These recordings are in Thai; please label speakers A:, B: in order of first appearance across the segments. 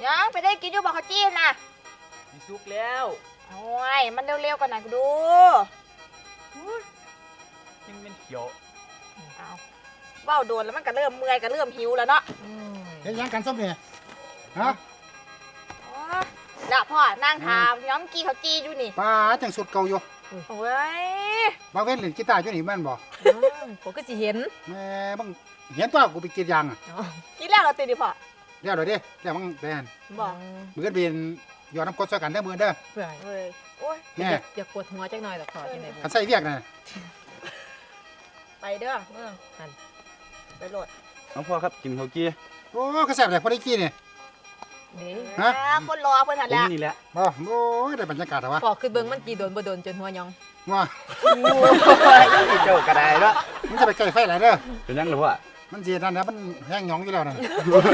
A: ยังไปได้กินอยู่บอกเขาจี้นะ
B: มีซุกแล้ว
A: โอ้ยมันเร็วๆกันหน่อยดู
B: ยังเป็นเขียว
A: เอาเบ้าโดนแล้วมันก็เริ่มเมื่อยก็เริ่มหิวแล้วเนาะ
C: เฮ็ดยังกันส้มเนี่ยฮะ
A: ละพ่อนั่งทามย้อมกี้เขาจี้อยู่นี่
C: ป้าจังสุดเก่าอยู่
A: โอ้ย
C: บางเว้นเล่นกีตาร์อยู่นี่แม่นบ่
D: ผมก็สิเห็น
C: แม่บังเห็นตัวกูไปกรีดยางอ่ะ
A: กินแล้วเราตื่นดิพ่อ
C: เดี๋ยวเด้เดี๋ยวบังแดน
A: บอก
C: มือเป็นยอดน้ำกรดใส่กันเด้อมือเด้อ
D: เพื่อ
A: เฮ้ยโอ้ย
D: อย่ากดหัวจักหน่อยหรอกขอที่ไหน
C: กันใส่เวียกน่ะ
A: ไปเด้อ
D: หัน
A: ไปโหลด
B: น้องพ่อครับกินข้าวกี้
C: โอ้ก็แซ่บเลยพอได้กี้นี่
A: ฮะคนรอเพิ่นหันแล้ว
B: นี่แหละ
C: บ่โอ้ยได้บรรยากาศวะ
D: พอคือเบิ่งมันกี่โดนบ่โดนจนหัวยอง
C: ว่า
B: เจ้ากระไดแล้ว
C: มันจะไปใกล้ไฟหลายเด้อ
B: เป็นยังหรือว่า
C: มันสินั่นนะมันแห้งหยองอยู่แล้วนั่น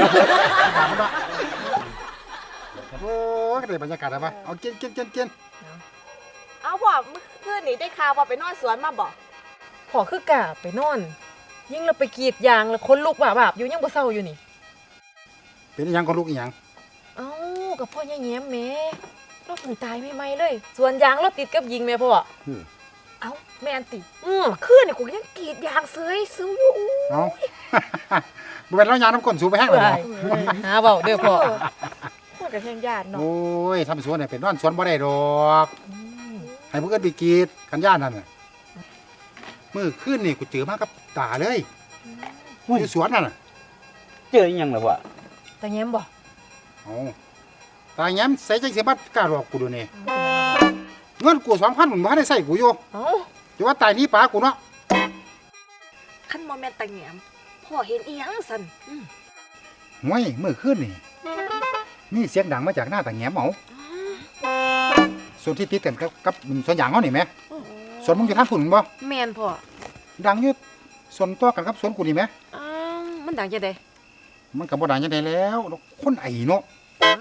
C: โอ้ยได้บรรยากาศวะเอากิน
A: เอาพ่อเมื่อคืนนี้ได้ข่าวว่าไปนอนสวนมาบอก
D: พอคือกะไปนอนยิ่งเราไปกรีดยางแล้วคนลุกบาบอยู่ยังบ่เศร้าอยู่นี่
C: เป็นยังก็ลูกอีหยัง
D: เอ้ากับพ่อแย้มแม่เราเพิ่งตายใหม่ๆเลยส่วนยางเราติดกับยิงแม่พ่อ
A: เอ้าแม่นติคืนนี่กูยังกรีดยางเสยซื้ออยู่
C: เอ้าบ่เป็นแล้วยางน้ำก้นสูบไปแห้งเลย
D: หาเว้าเด้อพ่อ
A: พูดกับแห่งญาติเนาะ
C: โอ้ยทำสวนเนี่ยเป็นนอนสวนบ่ได้ดอกให้พวกเอิ้นไปกรีดกันย่านนั่นน่ะมื้อคืนนี่กูเจอมากับตาเลยอยู่สวนนั่นน่ะ
B: เจอยังหรือว่า
D: ตาแย้มบ่
C: เอ้าตาแย้มใส่จังสิบัดกล้าหลอกกูดูนี่เงินกู 2,000 มันบ่ได้ใส่กูอยู่
D: เอ้า
C: จะว่าตายนี้ปากูเนาะ
A: คันบ่แม่นตาแย้มพ่อเห็นอีหยังสั่น
C: ห่วยมื้อคืนนี่มีเสียงดังมาจากหน้าตาแย้มเอ้าส่วนที่ติดกันกับสวนยางเฮานี่แหมสวนมึงอยู่ทางพุ่นบ่
D: แม่นพ่อ
C: ดังอยู่สวนต่อกันกับสวนกูนี่แหม
D: มันดังจังได๋
C: มันก็บ่ดังจังได๋แล้วคนไอเนาะ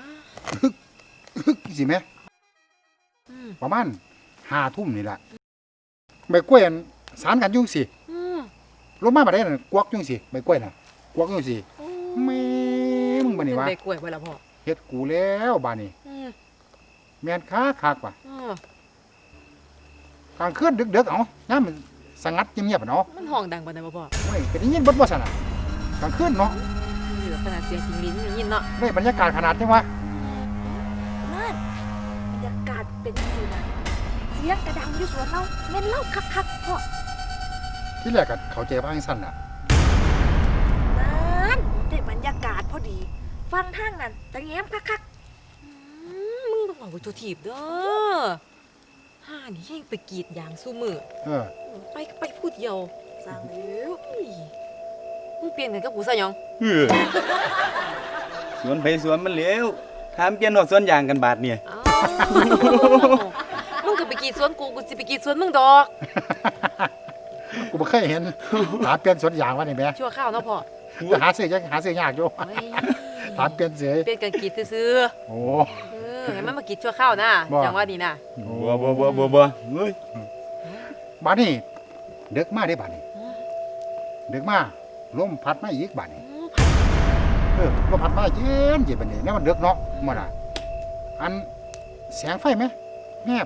C: สิแม่ประมาณ5 ทุ่มนี่ล่ะใบกล้วยสารกันอยู่สิลงมาบัดนี้น่ะกวักอยู่สิใบกล้วยน่ะกวักอยู่สิแม่มึงบัดนี้วะ
D: ใบกล้วยบ่ล่ะพ่อ
C: เฮ็ดกูแล้วบัดนี้แม่นคักว่ะกลางคืนดึกๆเอ้ายามมันสงัดเงียบๆเนาะ
D: มันห้องดังปานใดบ่พ่อ
C: โอ้ยเป็นยินบ่ซั่นน่ะกลางคืนเนาะ
D: ขนาดเสียงจิงลิ้นยินเนาะ
C: ได้บรรยากาศขนาดนี้วะ
A: นั่นบรรยากาศเป็นสินะเสียงกระดังอยู่สวนเราแม่นเล่าคักๆพ่อ
C: ที่แรกก็เข้าใจว่าจังซั่นน่ะ
A: นั่นได้บรรยากาศพอดีฟังทางนั้นตะแง้มคัก
D: มึงบอกว่าตัวถีบเด้อห่านี่ยังไปกรีดยางสู้มือไปพูดเดียว
A: สั่งแล้ว
D: มึงเปลี่ยนกันกับกูซะยัง
B: สวนไปสวนมันเร็วถามเปลี่ยนหัวสวนยางกันบาทเนี่ย
D: มึงก็ไปกรีดสวนกูสิไปกรีดสวนมึงดอก
C: กูบ่เคยเห็นหาเปลี่ยนสวนยางวะนี่แม่
D: ชั่วข้าวเนาะพ่อ
C: หาซื้อยากอยู่ถามเปลี่ยนเสย
D: เปลี่ยนกันกรีดซื่อ
C: โอ้
D: ให้มันมากรีดชั่วข้าวนะจังว่านี่นะ
B: บ่เฮ้ย
C: บ้านนี้เด็กมาได้บ้านนี้เด็กมาลมพัดมาอีกบ้านนี้ลมพัดมาเย็นบ้านนี้นี่มันเด็กเนาะมันอ่ะอันแสงไฟไหมแมบ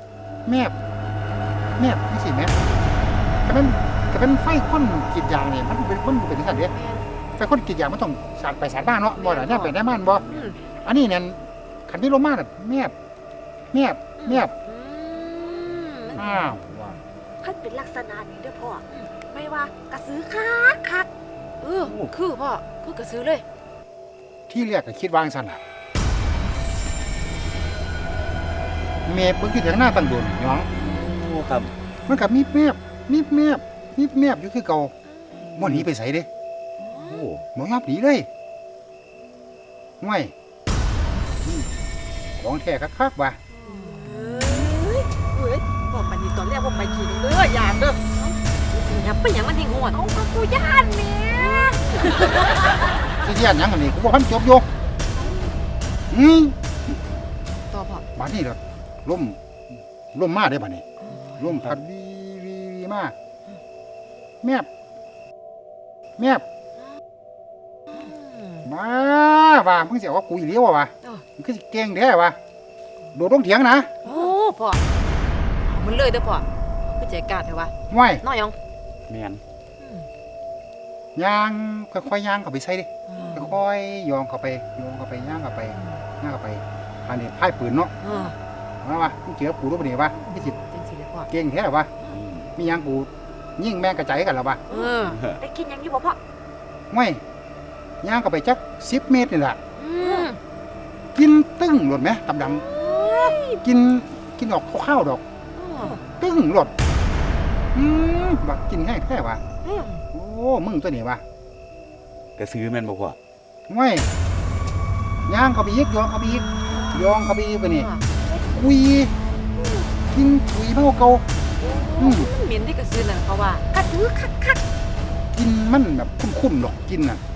C: นี่สิแมบแต่เป็นไฟข้นกีดยางนี่มันเป็นที่สั่นเดียไฟข้นกีดยางมันต้องสาดไปสาดบ้านเนาะบ่ล่ะเนี่ยไปได้บ้านบ่อันนี้เนี่ยขันที่ลมมาแบบแมบอ้าวว่า
A: พันเป็นลักษณะนี้เด้อพ่อไม่ว่ากระสือคัก
D: คือพ่อคือกระสือเลย
C: ที่เรียกก็คิดวางสั่นอ่ะเมฆมันคือแถวหน้าตั้งโดนน้อง
B: ครับ
C: มันกับมีแมบอยู่คือเก่าบ่หนีไปไสเด้บ่ยอมหนีเลยห่วยของแท้คักๆว่ะ
A: บอกมันนี่ตอนแรกว่าไปขี่เด้อยางเด้อ
D: ยับไปหยังมันทิ้งหัว
A: เอากูย่านแม่
C: สิย่านหยังอันนี้กูบ่ทันจบอยู่
D: ต่อพ่อ
C: บัดนี้ล่ะลมมาได้บัดนี้ลมพัดวีมาแมบมาว่ามึงสิเอากับกูอีเลี้ยววะมึงคือสิเก่งแท้วะโดดลงเถียงนะ
D: โอ้พ่อเอามันเลยเด้อพ่อคือใจกล้าเถอะวะ
C: ไม่
D: น้อยหยัง
B: แม่น
C: ย่างค่อยๆย่างเข้าไปใส่ดิค่อยๆโยองเข้าไปย่างเข้าไปอันนี้พ่ายปืนเนาะ มาว่ามึงเจอกูรู้ปะเนี่ยวะพี่สิ
D: จังสิเลยพ่อ
C: เก่งแท้วะมีหยังกูยิ่งแม่งกระจายกันแล้ววะ
A: ได้กินหยังอยู่บ่พ่อ
C: ไม่ย่างเข้าไปจัก10 เมตรนี่แหละ กินตึ้งหลดไหมตำดังกินออกข้าวๆดอก ตึ้งหลดบักกินแห้งแท้วะโอ้มึงตัวนี้วะ
B: กระซื้อแม่นบ่พ่อ
C: ไม่ย่างเข้าไปอีกโยองเข้าไปอีกไปนี่คุยกินคุยเท่าเก่า
D: มันเหม็นที่กระซื้อนั่นเขาว่าก
A: ระซื้อคัก
C: กินมันแบบคุ้นๆหรอกกินน่ะ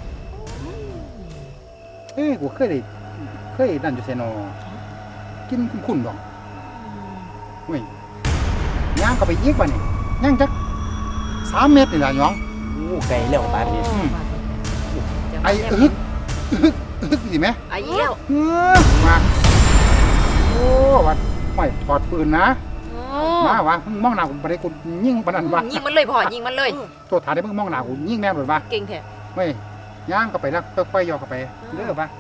C: กูเคยนั่นอยู่ไสนอกินคุ้นๆหรอกเว้ยย่างเข้าไปอีกบ่นี่ย่างจัก3 เมตรนี่ล่ะหยอง
B: โอ้ไกลแล้วบาดนี้
C: ไอ้อึกสิแม่
D: ไอ้เหี้ยว
C: มาโอ้วัดไม่ถอดปืนนะมาวะมึงมองหน้ากูบ่ได้กูยิงปานนั้นวะ
D: ยิงมันเลยพ่อยิงมันเลย
C: ตัวถาได้มึงมองหน้ากูยิงแม่นโดดวะ
D: เก่งแท้
C: เว้ยย่างเข้าไปแล้วค่อยๆย่อเข้าไปเด้อวะ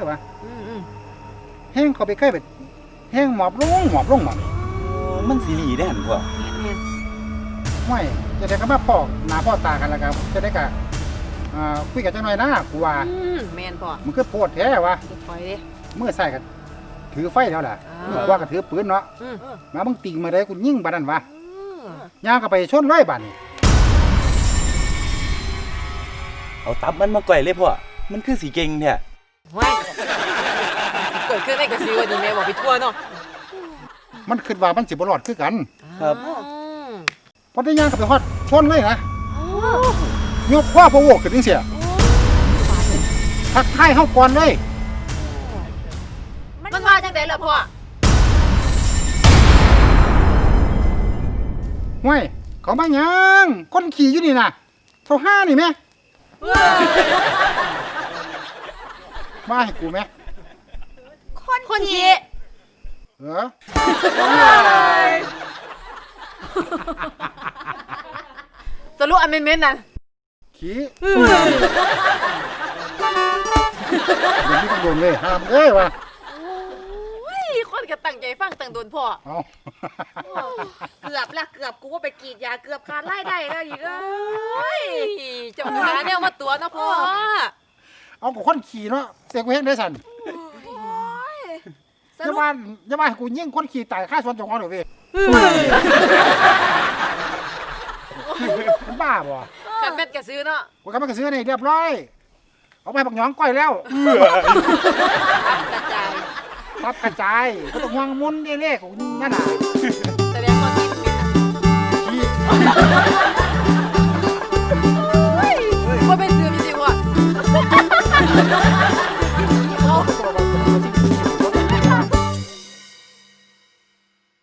C: แห้งเข้าไปใกล้ไปแห้งหมอบลงหมอบ
B: มันสิหลีได้หั่นพ่อ
C: ไม่จะได้ก็มาพ่อหน้าพ่อตากันแล้วกันจะได้กะคุยกันจังหน่อยนะกูว่า
D: แมนพ่อ
C: มันคือโพดแท้วะ
D: จะปล่อยดิ
C: เมื่อใส่กันถือไฟแล้วล่ะ
D: อ่า
C: มือว่าก็ถือปืนเนาะมามึงติงมาได้กูยิงบาดนั้นวะย่างเข้าไปชนร้อยบาทนี่
B: เอาตับมันมาก่อยเลยพ่อมันคือสิเก่งแท้
D: ว้ายเกิดขึ้นในกระซื้อวันนี้แม่บอกไปทั่วเนาะ
C: มันคิดว่ามันสิบ่รอดคือกัน
B: ครับ
C: พอได้ย่างเข้าไปฮอดชนเลยนะยกข้อพะโวกขึ้นจังเสียทักทายเฮาก่อนเลย
D: มันมาจากไหนล่ะพ่อ
C: ห้วยเขามาหยังคนขี่อยู่นี่น่ะเท่าห้านี่แม่มาให้กูแม่
D: คนขี่
C: เออ
D: สรุปอันเม้นๆนั่น
C: ขี่เดี๋ยวนี้ต้องโดนเลยห้ามเอ้ยวะ
D: คนก็ตั้งใจฟังตั้งโดนพ่อ
C: เอา
A: ๆเกือบกูว่าไปกรีดยาเกือบขาดรายได้แล้วอีกเอ้ย
D: เจ้าหาแนวมาตัวนะพ่อ
C: เอากับคนขี่เนาะเสียกูเห็นได้สั่น
A: ส
C: อย่า
A: รุป
C: มาให้กูยิงคนขี่ตายค่าส่วนเจ้าของเดี๋ยวเว้ยมันบ้าบ่
D: กันแม่นกระซื้อเนาะ
C: กูกำลังจะซื้อนี่เรียบร้อยเอาไปบักหยองก้อยแล้ว
D: กระจาย
C: ทับกระจายก็ต้องวางมุนเด้ๆของนั่นน่ะ